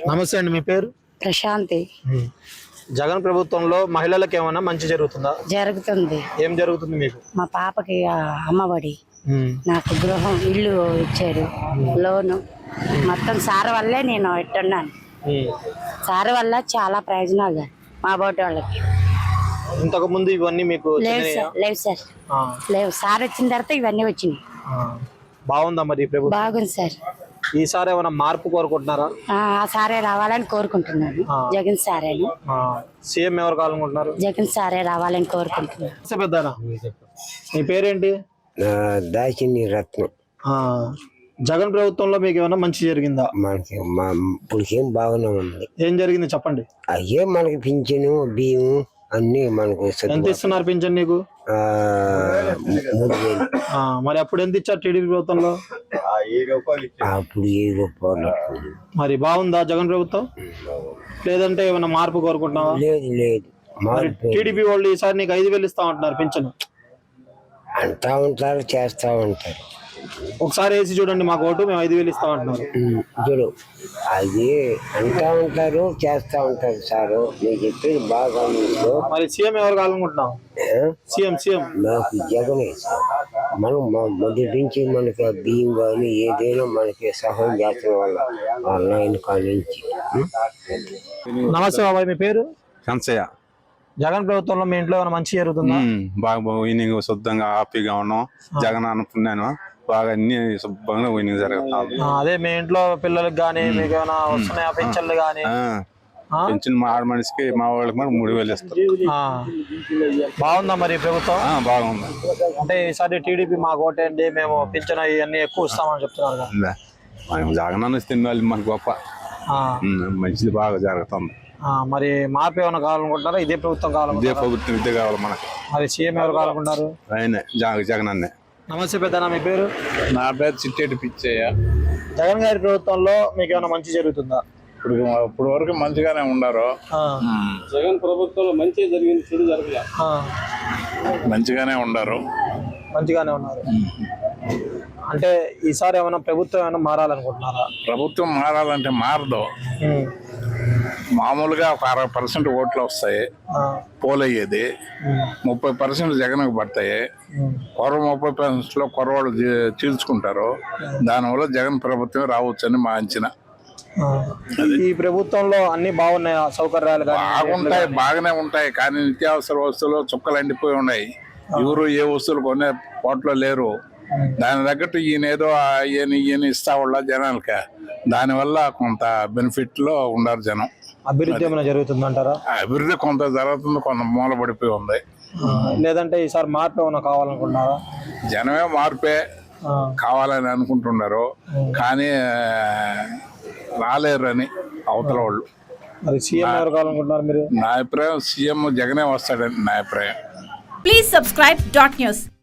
నమస్తే అండి, మీ పేరు? ప్రశాంతి. జగన్ ప్రభుత్వంలో మహిళలకు ఏమైనా మంచి జరుగుతుందా? జరుగుతుంది. ఏం జరుగుతుంది మీకు? మా పాపకి అమ్మఒడి, నాకు గృహం ఇల్లు ఇచ్చారు, లోను మొత్తం సార్ వల్లే నేను ఇట్టున్నాను. సార్ వల్ల చాలా ప్రయోజనాలు మా బోటి వాళ్ళకి. ఇంతకు ముందు ఇవన్నీ మీకు లేవు సార్, లేవు. సార్ వచ్చిన తర్వాత ఇవన్నీ వచ్చినాయి. బాగుందా మరి ప్రభుత్వం? బాగుంది సార్. ఈసారి ఏమైనా మార్పు కోరుకుంటున్నారా? ఆ సారే రావాలని కోరుకుంటున్నాను. జగన్ సారే. సీఎం ఎవరు కావాలనుకుంటున్నారు? జగన్ సారే రావాలని కోరుకుంటున్నాను. పెద్దనా, మీ పేరేంటి? దాచిని రత్నం. జగన్ ప్రభుత్వంలో మీకు ఏమైనా మంచి జరిగిందా? మనకి ఇప్పటికేం బాగానే ఉంది. ఏం జరిగింది చెప్పండి. అయ్యే మనకి పింఛను బియ్యం అన్ని మనకు. ఎంత ఇస్తున్నారు పింఛన్ నీకు? 3,000. మరి అప్పుడు ఎంత ఇచ్చారు టీడీపీ ప్రభుత్వంలో? అప్పుడు 7 రూపాయలు. మరి బాగుందా జగన్ ప్రభుత్వం? లేదంటే ఏమైనా మార్పు కోరుకుంటున్నావా? లేదు. టీడీపీ వాళ్ళు ఈసారి నీకు 5,000 ఇస్తా ఉంటున్నారు పింఛను. అంటా ఉంటారు, చేస్తా ఉంటారు. ఒకసారి వేసి చూడండి మాకు ఓటు, మేము 5,000 ఇస్తా ఉంటున్నారు. చూడు, అది అంటా ఉంటారు, చేస్తా ఉంటారు. సారు నేను చెప్పేది బాగా. మరి సీఎం ఎవరు కావాలనుకుంటున్నావు? సీఎం నాకు జగనే. మనం మొదటి నుంచి మనకి బియ్యం కానీ ఏదైనా మనకి సహాయం చేస్తున్న వాళ్ళ ఆయన కానించి. నమస్తే బాబాయ్, మీ పేరు? కంచయ్య. జగన్ ప్రభుత్వంలో మీ ఇంట్లో ఏమైనా మంచి జరుగుతుందా? బాగా ఈవినింగ్ శుద్ధంగా హ్యాపీగా ఉన్నాం. జగన్ అనుకున్నాను బాగా అన్ని శుభ్రంగా ఈవినింగ్ జరుగుతాం. అదే మీ ఇంట్లో పిల్లలకి గానీ మీకు ఏమైనా వస్తున్నాయా పింఛన్లు గానీ? పెన్షన్ మా ఆడ మనిషికి మా వాళ్ళకి మరి 3,000 ఇస్తారు. బాగుందా మరి ప్రభుత్వం? బాగుంది. అంటే ఈసారి టీడీపీ మాకు ఓటేయండి, మేము పింఛన్ ఇవన్నీ ఎక్కువ ఇస్తామని చెప్తున్నారు కదా. జగన్ అన్న తిన్న వాళ్ళు మనకు గొప్ప మంచిది బాగా జరుగుతుంది. మరి మార్పు ఏమైనా కావాలనుకుంటున్నారా? ఇదే ప్రభుత్వం కావాలనుకుంటారా? ఇదే ప్రభుత్వం ఇదే కావాలి మనకి. మరి సీఎం ఎవరు కావాలనుకుంటారు? ఆయనే జగన్ అన్నే. నమస్తే పెద్దనా, మీ పేరు? నా పేరు చిట్టేటి పిచ్చయ్య. జగన్ గారి ప్రభుత్వంలో మీకు ఏమైనా మంచి జరుగుతుందా? ఇప్పుడు వరకు మంచిగానే ఉన్నారు. జగన్ ప్రభుత్వంలో మంచి జరిగింది, చెడు జరగలే. మంచిగానే ఉన్నారు. అంటే ఈసారి ఏమైనా ప్రభుత్వం ఏమైనా మారాలనుకుంటున్నారా? ప్రభుత్వం మారాలంటే మారదు. మామూలుగా 60% ఓట్లు వస్తాయి, పోలయ్యేది 30% జగన్కు పడతాయి. 30% లో కొరవాళ్ళు చీల్చుకుంటారు. దానివల్ల జగన్ ప్రభుత్వం రావచ్చని మా అంచనా. ఈ ప్రభుత్వంలో అన్ని బాగున్నాయి, సౌకర్యాలు బాగుంటాయి, బాగానే ఉంటాయి. కానీ నిత్యావసర వస్తువులు చుక్కలు ఎండిపోయి ఉన్నాయి. ఎవరు ఏ వస్తువులు కొనే పోట్లో లేరు. దాని తగ్గట్టు ఈయనేదో ఈయన ఇస్తా వాళ్ళ జనాలకి. దానివల్ల కొంత బెనిఫిట్ లో ఉన్నారు జనం. అభివృద్ధి ఏమైనా జరుగుతుందంటారా? అభివృద్ధి కొంత జరుగుతుంది, కొంత మూలపడిపోయి ఉంది. లేదంటే ఈసారి మార్పు ఏమైనా కావాలనుకుంటున్నారా? జనమే మార్పే కావాలని అనుకుంటున్నారు, కానీ రాలేరు అని అవతల వాళ్ళు. మరి సీఎం ఎవరు కావాలనుకుంటున్నారు మీరు? నా అభిప్రాయం సీఎం జగనే వస్తాడని నా అభిప్రాయం. Please subscribe .news.